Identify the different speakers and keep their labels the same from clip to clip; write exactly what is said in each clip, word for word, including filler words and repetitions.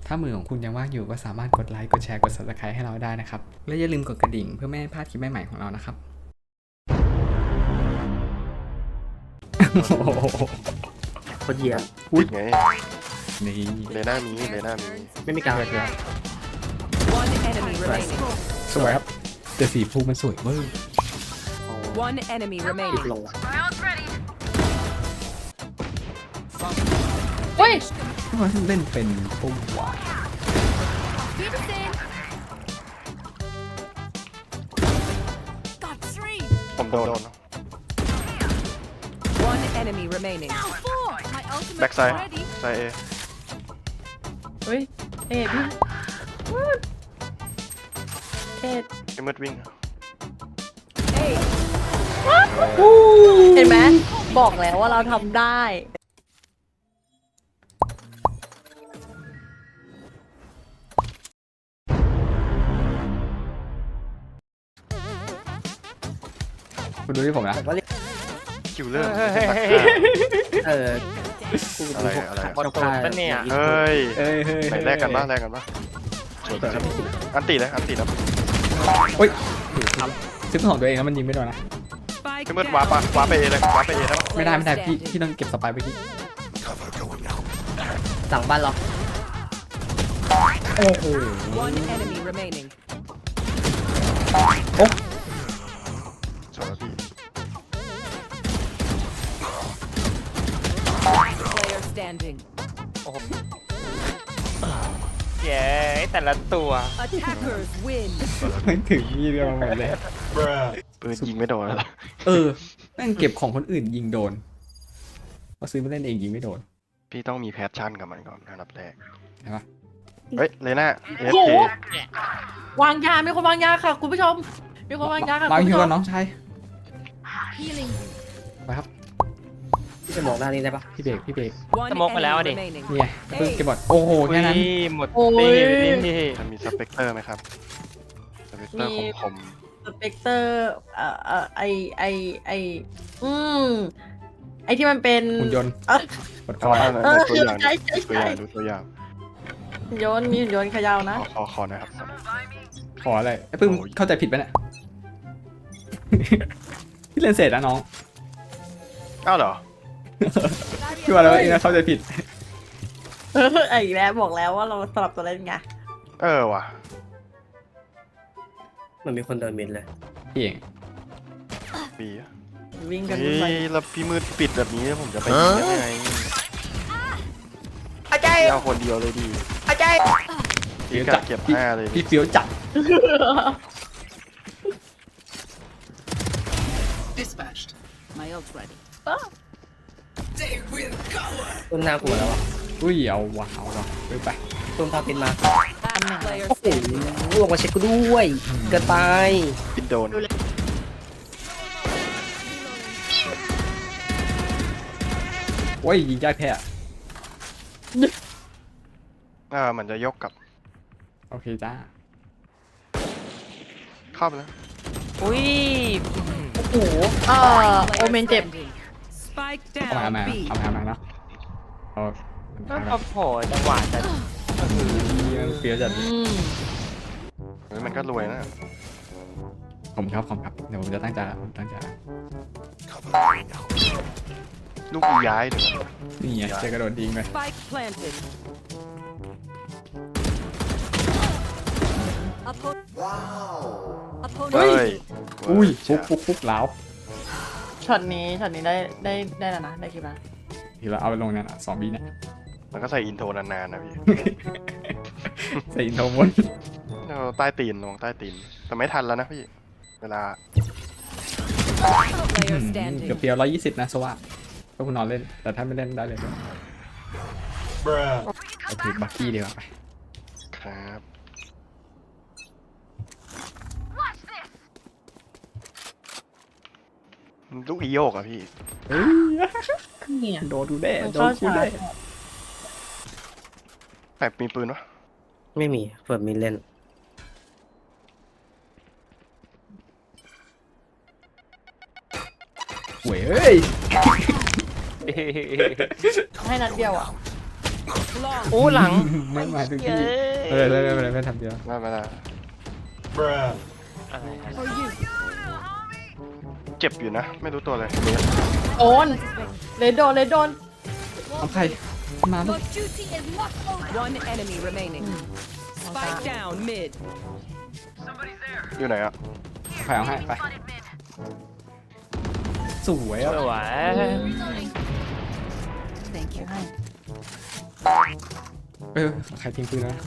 Speaker 1: ถ้ามือของคุณยังว่างอยู่ก็สามารถกดไลค์กดแชร์กด ซับสไครบ์ ให้เราได้นะครับและอย่าลืมกดกระดิ่งเพื่อไม่ให้พลาดคลิปใหม่ๆของเรานะครับ
Speaker 2: โคตรเหี้ย
Speaker 3: ติดไง
Speaker 1: นี่
Speaker 3: เลน่ามีเลน่ามี
Speaker 2: ไม่มีการเลย
Speaker 4: One enemy remaining.
Speaker 1: สวยครับแต่สีฟูมันสวยเวอร์
Speaker 4: One enemy
Speaker 2: ติด
Speaker 4: remaining.
Speaker 2: ลงว่ะ
Speaker 5: เฮ้ย
Speaker 1: ทำไมถึงเล่นเป็นปุ่มวะ
Speaker 4: Got three.
Speaker 3: ผมโดน
Speaker 4: One enemy remaining. Four. My
Speaker 3: แบ็ก
Speaker 4: ultimate
Speaker 3: ไซด์
Speaker 4: ready.
Speaker 3: ไซเอ
Speaker 5: เฮ้ยเอ็ดพี่เอ็ด
Speaker 3: ไอ้มืดวิ่ง
Speaker 4: Eight.
Speaker 5: เห็นไหมบอกแล้วว่าเราทำได้
Speaker 1: คุณดูที่ผมนะ
Speaker 2: แต่ว่าเรียก
Speaker 3: คิวเลอร์
Speaker 2: เออกู
Speaker 3: อะไร
Speaker 2: พวก
Speaker 3: อะไร
Speaker 2: บอลโกนเนี่ย
Speaker 3: เฮ้ย
Speaker 1: เอ้ยเฮ้ย
Speaker 3: ไหนแลกกันบ้างแลกกันบ้างอันตีเลยอันตีแล้ว
Speaker 1: โอ้ยซิปของตัวเองแล้วมันยิงไม่โดนนะ
Speaker 4: Spike
Speaker 3: ไอ้มืดวาร์ปะ
Speaker 4: down.
Speaker 3: วาร์ปไปเอเลยวาร์ปไปเอแล้ว
Speaker 1: ไม่ได้ไม่ได้พี่พี่ต้องเก็บสไปร์ไปที่
Speaker 2: สั่งบ้านเรา
Speaker 1: โอ้โห
Speaker 4: One enemy remaining.
Speaker 3: สวยพี่
Speaker 4: Player standing.
Speaker 6: เย้แต่ละตัว
Speaker 4: Attackers win.
Speaker 1: ไม่ถึงยี่เดียวหมดเลย
Speaker 3: ปืนยิงไม่โดนแล้ว
Speaker 1: เออแม่งเก็บของคนอื่นยิงโดนพอซื้อมาเล่นเองยิงไม่โดน
Speaker 3: พี่ต้องมีแพชชั่นกับมันก่อนอันดับแรก
Speaker 1: ใช่ปะ
Speaker 3: เฮ้ยเลน่าเอฟ
Speaker 5: โอ้โห
Speaker 3: เคว
Speaker 5: างยา มีคนวางยาค่ะ คุณผู้ชม มีคนวางยาค่ะ
Speaker 1: บาง
Speaker 5: คุณ
Speaker 1: ที
Speaker 5: ผู้ช
Speaker 1: ก่อ
Speaker 5: ม
Speaker 1: นน้องชาย
Speaker 4: Healing.
Speaker 1: ไปครับ
Speaker 2: พี่จะมองด้านนี้ได้ปะ
Speaker 1: พี่เบรกพี่เบรก
Speaker 4: One
Speaker 6: สโมกไปแล้วอะดิ
Speaker 4: enemy remaining.
Speaker 1: นี่ไงเพิ่งเก็บหมดโอ้โหแค่นั้น
Speaker 6: อุ้ยหมด
Speaker 5: โอ้ย
Speaker 6: นี่นี่
Speaker 3: จะมีสเปกเตอร์ไหมครับสเปกเตอร์
Speaker 5: มี
Speaker 3: คม
Speaker 5: สเปกเตอร์เอ่อเอ่อไอไอไออืมไอที่มันเป็น
Speaker 1: หุ่นยนต์
Speaker 5: เออก
Speaker 1: ด
Speaker 3: ๆ
Speaker 1: คอย
Speaker 3: เอา
Speaker 5: เออ
Speaker 3: ตัวอย่าง
Speaker 5: ใช่ใช่
Speaker 3: ตัวอ
Speaker 5: ใช่
Speaker 3: ย่างดูตัวอย่าง
Speaker 5: หุ่นยนต์มีหุ่นยนต์เขยาวนะ
Speaker 3: ขอขอขอหนะครับ
Speaker 1: ขออะไรไอ้เพิ่ง
Speaker 3: โอ้ย
Speaker 1: เข้าใจผิดไปเนี่ย พี่เล่นเสร็จนะน้อง
Speaker 3: อ้าวเหรอ
Speaker 1: พี่ว่าแล้วเองนะเข้าใจผิด
Speaker 5: เออไอีกแล้วบอกแล้วว่าเราสลับตัวเล่นไง
Speaker 3: เออว่ะ
Speaker 2: มันมีคนเดินมิดเลย
Speaker 1: พี่เอง
Speaker 3: ปีอะ
Speaker 5: วิ่งกัน
Speaker 3: เฮ้
Speaker 5: วุ่นวาย
Speaker 3: ยแล้วพี่มืดปิดแบบนี้ผมจะไปยิงยังไงพี่เอาคนเดียวเลยดีพี่กะเก็บห้าเลย
Speaker 1: พี่เฟี้ยวจัด
Speaker 4: Dispatched. My ult ready.
Speaker 2: ต้นหน้ากลัวแล้วอ่ะ
Speaker 1: อุ้ยเอาว่ะเอาว่ะไปไป
Speaker 2: ต้นพาปินมา
Speaker 4: Last player
Speaker 2: โอ้โห
Speaker 4: standing.
Speaker 2: ลงมาเช็คกูด้วย เกินไป
Speaker 3: ปิดโดน
Speaker 1: โอ้ยยิงยากแพ้
Speaker 3: อ่ามันจะยกกลับ
Speaker 1: โอเคจ้า
Speaker 3: เข้าไปแล้ว
Speaker 6: อุ้ย
Speaker 5: โอ้โหเออโอเมนเจ็บ
Speaker 4: Spike
Speaker 1: เอามา
Speaker 4: down.
Speaker 1: เอามา
Speaker 4: B.
Speaker 1: เอามาเอามาเนาะเอา
Speaker 6: ก็
Speaker 1: เอามา
Speaker 6: พอโผล่จังหวะจะ
Speaker 1: มันเฟี้ยวจัด
Speaker 5: อืม
Speaker 3: เฮ้ยมันก็รวยนะ
Speaker 1: ผมครับผมครับเดี๋ยวผมจะตั้งใจละผมตั้งใจละ
Speaker 3: ลูกอีย้ายเดี๋ยวนะ
Speaker 1: นี่ไงเจอกระโดดยิงเลย
Speaker 4: Spike planted. Opponent.
Speaker 3: เฮ้ย
Speaker 1: อุ้ย
Speaker 3: เจ๋
Speaker 1: ฟุ
Speaker 3: ง
Speaker 1: กฟุกฟุกแล้ว
Speaker 5: ช็อตนี้ช็อตนี้ได้ได้ได้แล้วนะได้กี่บาท
Speaker 1: ทีละเอาไปลงเนี่ยสองบีเนี่ย
Speaker 3: มันก็ใส่อินโทรนานๆนะพี่
Speaker 1: ใส่อินโทรมน
Speaker 3: เอาใต้ตีนลงใต้ตีนแต่ไม่ทันแล้วนะพี่ เวลา
Speaker 4: Player
Speaker 1: เกือบ
Speaker 4: standing.
Speaker 1: เพียวร้อยยี่สิบนะสวัสดก็คุณนอนเล่น แต่ถ้าไม่เล่นได้เลยโอเคบักกี้ดีกว่าไป
Speaker 3: ครับลูกอีโยกอะพี่
Speaker 1: เฮ้ย
Speaker 5: เนี่ย
Speaker 1: โดนดูได้
Speaker 5: มัน
Speaker 1: โด
Speaker 5: เข้าน
Speaker 1: กู
Speaker 5: ชา
Speaker 1: ได้
Speaker 5: ร์จ
Speaker 3: แบบมีปืนวะ
Speaker 2: ไม่มีเปิดมิดเล่น
Speaker 1: หวยเอ้ย
Speaker 5: ให้นัดเดียวอ่ะ
Speaker 4: Long.
Speaker 6: โอ้หลัง
Speaker 1: ไม่มาทุก
Speaker 6: เย้
Speaker 1: ที่เออเลยไม่เป็นไรไม่ทำเดียว
Speaker 3: ไม่ไม่ได้
Speaker 6: อะไรครับ
Speaker 4: For you.
Speaker 3: เจ็บอยู่นะ ไม่รู้ตัวเลยเนส
Speaker 5: โดนเลดโดนเลดโดน
Speaker 1: เอาใครมาลูก
Speaker 4: One enemy remaining. Spike down mid.
Speaker 3: อยู่ไหนอะ
Speaker 1: ใครเอาให้ไปสวย
Speaker 6: ส
Speaker 1: อ่ะ
Speaker 6: วย
Speaker 4: Thank you.
Speaker 1: เออใครทิ้งปืนแล้ว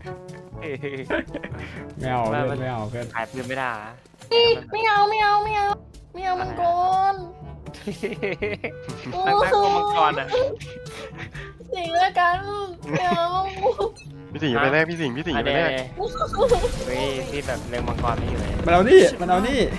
Speaker 1: ไม่เอาเพื่อนไม่เอาเพื่อน
Speaker 6: ขายปืนไม่ได้อะ
Speaker 5: ไม่เอาไม่เอาไม่เอาไม่เอามังกร
Speaker 6: นักนักตัวมังกรอ่ะ
Speaker 5: สิงแล้วกันไม่เอา
Speaker 3: พี่สิงห์ไปแรกพี่สิงห์พี่สิงห์
Speaker 6: อัน
Speaker 3: ไป
Speaker 6: เนี้
Speaker 3: แรก
Speaker 6: เฮ้ยพี่แบบเล็งมังกรไม่อยู่เลย
Speaker 1: มันเอานี่มันเอานี่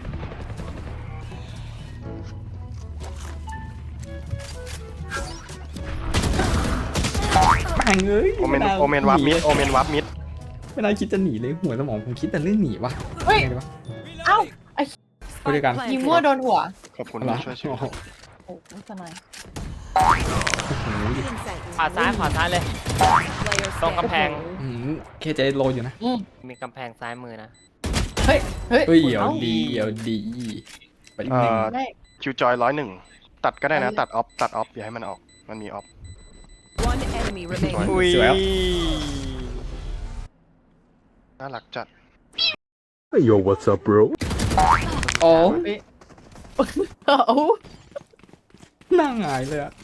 Speaker 1: แม่งเอ้ย
Speaker 3: โอเมนโอเมนวับมิดโอเมนวับมิด
Speaker 1: ไม่น่าคิดจะหนีเลยหัวสมองผมคิดแต่เรื่องหนีวะ
Speaker 5: เฮ้ย
Speaker 1: ไงดีวะ
Speaker 5: เอ้าไอ้
Speaker 1: ไปด้วยกัน
Speaker 4: Spike
Speaker 5: ยิง
Speaker 4: planted.
Speaker 5: มั่วโดนหัว
Speaker 3: ขอบคุณ
Speaker 1: เหรอ
Speaker 3: ที่ช่วยชีวิ
Speaker 1: โอ้
Speaker 3: ต
Speaker 1: โห
Speaker 5: โอ้โหไม่สนาย
Speaker 1: โอ้โห
Speaker 6: ขวาซ้ายขวาซ้ายเลย
Speaker 4: Player
Speaker 6: ตรงกำแพง
Speaker 1: อืมเคเจโลอยู่นะ
Speaker 5: อืม
Speaker 6: มีกำแพงซ้ายมือนะ
Speaker 5: เฮ้ยเฮ้ย
Speaker 1: เฮ้ยเดี๋ยว
Speaker 5: อ้า
Speaker 1: ดีเดี๋ยวดีไปอีก
Speaker 3: เอ่
Speaker 1: หนึ่ง
Speaker 3: อ
Speaker 5: ได้
Speaker 3: คิวจอยร้อยหนึ่งตัดก็ได้นะ ตัดออฟตัดออฟอย่าให้มันออกมันมีออฟ
Speaker 4: One enemy remaining.
Speaker 6: อุ้ย
Speaker 1: สวยครับ
Speaker 3: น่ารักจัด
Speaker 7: Yo, what's up, bro?
Speaker 1: โอ้
Speaker 5: เฮ้ยเอา
Speaker 1: หน้าหงายเลยอะ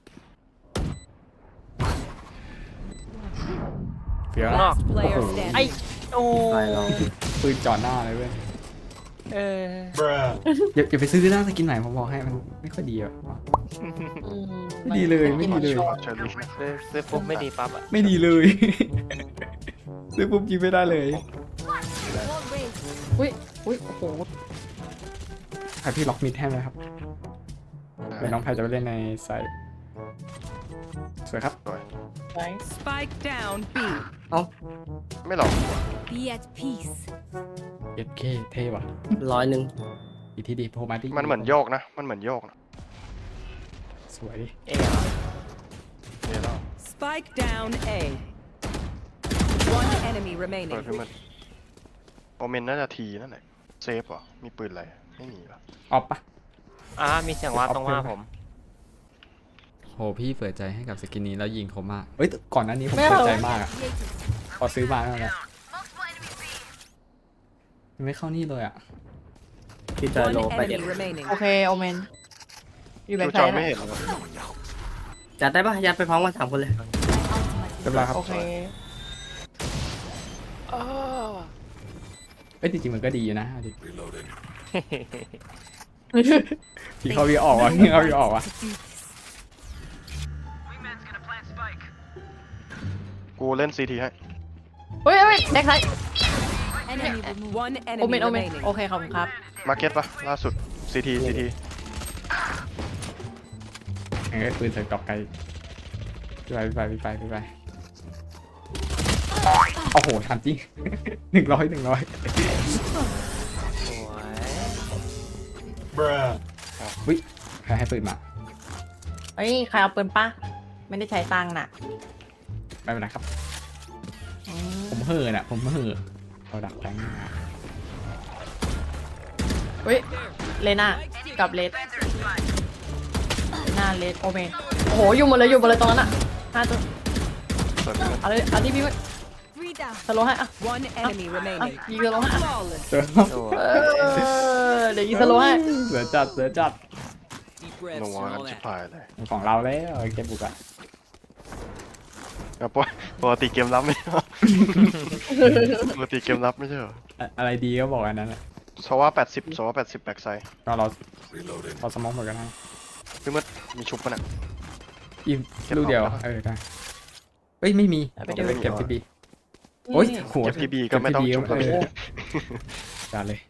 Speaker 1: เฟี้ยว
Speaker 6: ข้างนอก
Speaker 4: Last player
Speaker 6: ไอ้
Speaker 4: standing.
Speaker 6: โอ้
Speaker 2: ไปลอง
Speaker 1: ปืนจ่อหน้าเลยเว้ย
Speaker 6: เออ
Speaker 1: อย่าอย่าไปซื้อหน้าสกินใหม่ผมบอกให้มันไม่ค่อยดีอะ
Speaker 5: อืม
Speaker 1: ไม่ดีเลยไม่ดีเลย
Speaker 3: เชอรี่
Speaker 6: ซื้อซื้อปุ๊บไม่ดีปั๊บอ่ะ
Speaker 1: ไม่ดีเลย ซื้อปุ๊บยิงไม่ได้เลย
Speaker 5: อุ้ยอุ้ยโอ้โห
Speaker 1: ใครพี่ล็อกมิดให้ไหมครับเดี๋ยวน้องแพรจะไปเล่นในไซต์สวยครับ
Speaker 5: ไป
Speaker 4: Spike down B.
Speaker 3: ไม่หรอก
Speaker 4: Be at peace.
Speaker 1: เอสเคเท่ว่ะ
Speaker 2: ร้อยหนึ่ง
Speaker 1: อีกทีดีโพมาดิ
Speaker 3: มันเหมือนโยกนะ มันเหมือนโยกนะ
Speaker 1: สวยดิ
Speaker 6: เอ๊ะ
Speaker 3: เนี่ยเรา
Speaker 4: Spike down A. One enemy
Speaker 3: เปิด
Speaker 4: remaining.
Speaker 3: ขึ้นมาโอเมนน่าจะทีนั่นแหละเซฟเหรอมีปืนอะไรไม่มีหรอ
Speaker 1: ออฟปะ
Speaker 6: อ่ามีเสียงว่าตรงว่าผม
Speaker 1: โหพี่เปิดใจให้กับสกินนี้แล้วยิงเขามากเอ้ยก่อนหน้านี้ผม
Speaker 5: ไม่เอา
Speaker 1: เปิดใจมากอะพอซื้อมาแล้วนะมันไม่เข้านี่เลยอะ
Speaker 2: พี่จอย
Speaker 4: One
Speaker 2: โลไปเด็ด
Speaker 4: enemy remaining.
Speaker 5: โอเคโอเมนอยู่แบ็
Speaker 3: คิ
Speaker 5: คว ไซ
Speaker 3: จอย
Speaker 5: ด์
Speaker 3: ไม่
Speaker 5: นะ
Speaker 3: เห็นเลย
Speaker 2: จัดได้ปะยัดไปพร้อมกันสามคนเลย
Speaker 1: เรียบร้อยครับ
Speaker 5: โอเค
Speaker 1: เอ้ยจริงๆมันก็ดีอยู่นะเอาดิพี่เขาพี่ออกวะพี่เขาพี่ออกวะ
Speaker 3: กูเล่นซีทีให้
Speaker 5: เฮ้ยเฮ้ยแบ็คไซด์
Speaker 4: One
Speaker 5: โอเม
Speaker 4: enemy
Speaker 5: นโอเมน
Speaker 4: remaining.
Speaker 5: โอเคขอบคุณครับ
Speaker 3: มาร์เก็ตปะล่าสุดซีทีซีที
Speaker 1: เอ้ยปืนใส่กรอบไกลพี่ไปพี่ไปพี่ไปพี่ไปโอ้โหทันจริง หนึ่งร้อยหนึ่งร้อย
Speaker 6: สวย
Speaker 1: วิใครให้ปืนมา
Speaker 5: เฮ้ยใครเอาปืนปะไม่ได้ใช้ตังค์น่ะ
Speaker 1: ไม่เป็นไรครับ
Speaker 5: อืม
Speaker 1: ผมเห่อะน่ะผมเห่อะเราดักแทง
Speaker 5: เฮ้ยเลน่ากับเลดเลน่าเลดโอเมนโอ้โหอยู่หมดเลยอยู่หมดเลยตรงนั้นอ่ะห้าตัว
Speaker 3: เปิดขึ้นมา
Speaker 5: เอาเลยเอาที่พี่มันสโลว์ให้อ่ะ
Speaker 4: One enemy
Speaker 5: อ่ะ
Speaker 4: remaining.
Speaker 5: ยิงสโลว์ให้อ่ะ
Speaker 4: Flawless.
Speaker 1: เสือ
Speaker 6: สวย
Speaker 5: เออเดี๋ยวยิงสโลว์ให้
Speaker 1: เสือจัดเสือจัด
Speaker 3: หนัวกันชิบหายเลย
Speaker 1: ของเราแล้วเก็บบุกอะ
Speaker 3: อ่ะปกปกติเกมรับไม่ใช่เหรอ ปกติเกมรับไม่ใช่เหรอ
Speaker 1: อะอะไรดีก็บอกอันนั้นแหละ
Speaker 3: โซว่าแปดสิบโซว่าแปดสิบแบ็กไซด์
Speaker 1: ก็เราเราสมองหมดกันนะ
Speaker 3: พี่มืดมีชุบปะเนี่ย
Speaker 1: อีก
Speaker 3: เก็บ
Speaker 1: ลูกเดียว
Speaker 3: เอาปะ
Speaker 1: เออได้เฮ้ยไม่มี
Speaker 5: เอาไป
Speaker 1: เดี๋ยว
Speaker 5: ดู
Speaker 1: ไปเก็บที่บีโอ้ยโห
Speaker 3: เก็บที่บีก็ไม่ต้องชุบ
Speaker 1: เก็
Speaker 3: แล้ว
Speaker 1: บที่
Speaker 3: พี่
Speaker 1: บีจัดเลย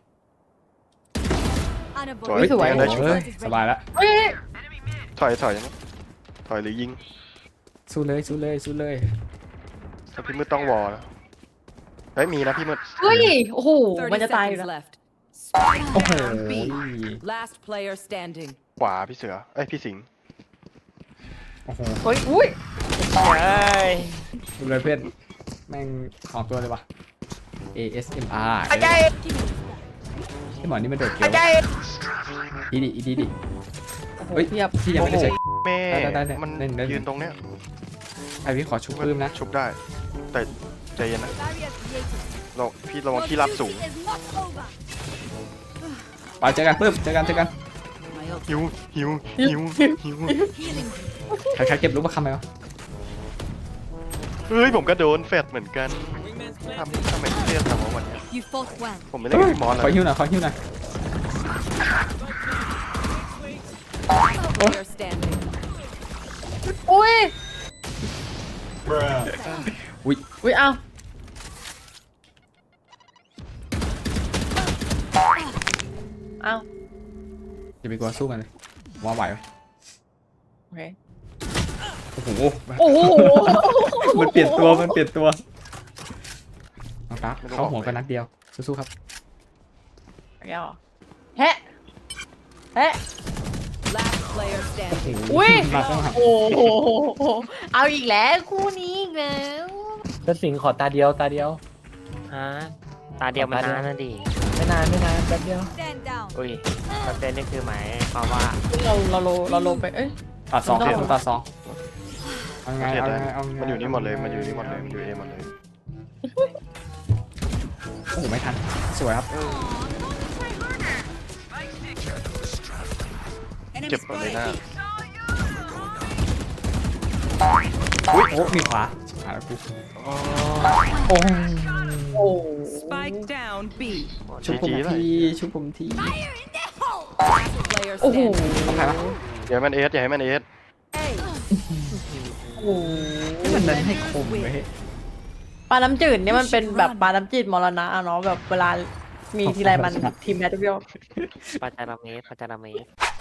Speaker 3: สวย
Speaker 5: สวย
Speaker 3: ได้ชุบ
Speaker 1: เฮ้ยสบายแล้ว
Speaker 5: เฮ้ย
Speaker 3: ถอยถอยยังไงถอยหรือยิง
Speaker 1: สู้เลยสู้เลยสู้เลย
Speaker 3: ถ้าพี่มืดต้องวอลแล้วเฮ้ยมีนะพี่มืด
Speaker 5: เฮ้ยโอ้โหมัน
Speaker 4: thirty
Speaker 5: จะตายอยู่
Speaker 4: seconds
Speaker 5: แล้ว
Speaker 4: left. Spike
Speaker 1: โอ้โห
Speaker 4: down B. Last player standing.
Speaker 3: ขวาพี่เสือเอ้ยพี่สิงห์
Speaker 1: โอ้โห
Speaker 5: เฮ้ยอุ้ย
Speaker 6: เฮ้ย
Speaker 1: ดูเลยเพื่อนแม่งสองตัวเลยว่ะ เอ เอส เอ็ม อาร์
Speaker 6: อาจารย์
Speaker 1: ไอหมอนี่มันโดดเกลีย
Speaker 6: อาว จารย์
Speaker 1: อีดิอีดิดิ
Speaker 5: โอ้โห
Speaker 1: เฮ้ย
Speaker 5: เทียบ
Speaker 1: พี่ยังไม่ได้ใช้
Speaker 3: แม่
Speaker 1: ได้ได้ได้
Speaker 3: มัน
Speaker 1: เล่นเล่น
Speaker 3: ยืนตรงเนี้ย
Speaker 1: ไอพี่ขอชุบปื้มนะ
Speaker 3: ชุบได้ แต่ใจเย็นนะเราพี่ระวังที่รับสูง
Speaker 1: ไปเจอกันปื้มเจอกันเจอกัน
Speaker 3: หิวหิวหิวหิว
Speaker 1: ใครใครเก็บลูกประคำไหมวะ
Speaker 3: เฮ้ยผมก็โดนแฟดเหมือนกันทำทำไมพี่เรียกทำว่าวันเนี้ย
Speaker 4: You fought well.
Speaker 3: ผมไม่เล่นกับพี่มอสเล
Speaker 1: ขอย หิ้วหน่อยขอหิ้วหน่อย
Speaker 4: Player standing.
Speaker 5: อุ้ย
Speaker 1: อุ้ย
Speaker 5: อุ้ยเอาเอา
Speaker 1: อย่าไปกลัวสู้กันเลยว่าไหวไหม
Speaker 5: โอเค
Speaker 1: โอ้โห
Speaker 5: โอ้โห
Speaker 1: มันเปลี่ยนตัวมันเปลี่ยนตัวน้องตาเข้าหัวกันนัดเดียวสู้ๆครับ
Speaker 5: แก้วแฮะแฮะ
Speaker 4: Last player standing.
Speaker 5: อุ้ย
Speaker 1: มาต้องหัก
Speaker 5: โอ้โหเอาอีกแล้วคู่นี้อีกแล้ว
Speaker 8: ก็สิงขอตาเดียวตาเดียว
Speaker 6: ฮะตาเดียวมันนานนะดิ
Speaker 8: ไม่นานไม่นานแป๊บเดียว
Speaker 4: Stand down.
Speaker 6: อุ้ยสเตนนี่คือหมายความว่า
Speaker 5: เราเราโลเราโลไปเอ้ย
Speaker 1: ตัดสอง
Speaker 5: ไม่ต้อง
Speaker 1: ตัดสองเอาไง
Speaker 3: เทีย
Speaker 1: เอา
Speaker 3: ได้
Speaker 1: ไงเอาไง
Speaker 3: มันอยู่นี่หมดเลยมันอยู่นี่หมดเลยมันอยู่เอหมดเลย
Speaker 1: โอ้โหไม่ทันสวยครับ
Speaker 3: เจ็บหมดเลยหน้า
Speaker 1: อุ้ยโอ้มีขวาหาแล้วกูโอ้
Speaker 5: โอ้
Speaker 4: Spike down B.
Speaker 1: ชุบผมทีชุบผมที
Speaker 4: Player
Speaker 5: โอ้โห
Speaker 4: standing.
Speaker 1: ต้องใครวะ
Speaker 3: อย่าให้มันเอสอย่าให้มันเอส
Speaker 4: A.
Speaker 5: โอ้
Speaker 1: ให้มันเน้นให้คมไว้ให้
Speaker 5: ปลาน้ำจืดเนี่ยมันเป็นแบบปลาน้ำจืดมรณะอะเนาะแบบเวลามีทีไรมันทีมแบทเทิล
Speaker 6: ปาจาราเมสปาจาราเมส